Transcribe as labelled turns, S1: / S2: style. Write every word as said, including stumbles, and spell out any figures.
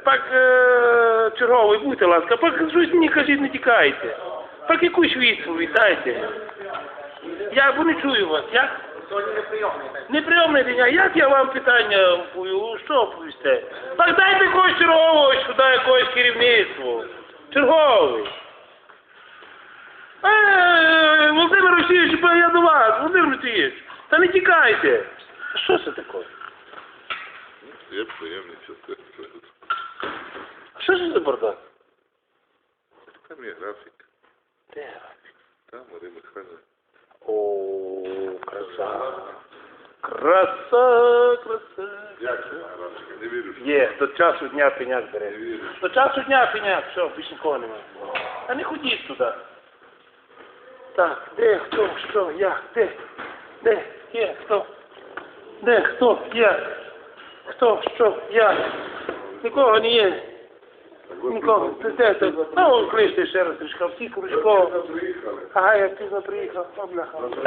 S1: пак е, черговий, будьте ласка, пак щось мені кажіть, не тікайте. Пак якусь відповідь дайте. Я бо не чую вас, як?
S2: Сьогодні неприйомний день.
S1: Неприйомний день, а як я вам питання пою? Що повісте? Так дайте якогось чергового сюди, якогось керівництво. Черговий. Е, Володимир Олексійович, я до вас, Володимир Олексійович. Та не тікайте. Що це таке?
S3: Я приємний часто.
S1: Що це за бардак?
S3: Там є графік.
S1: Де графік?
S3: Там Марія Михайлівна.
S1: О, краса. Краса, краса.
S3: Як це графік? Не вірю, що
S1: Є, до часу дня пеняк бере.
S3: не вірю.
S1: До часу дня пеняк, все, більше нікого немає. А не ходіть туди. Так, де, хто, що, як, де, де, є, хто, де, хто, як, хто, що, як. Нікого не є. Нікого, це де, це, ну, кличте ще раз, трішка, всі кружко.
S3: Приїхали.
S1: Ага, я пізно приїхав, о, бляха.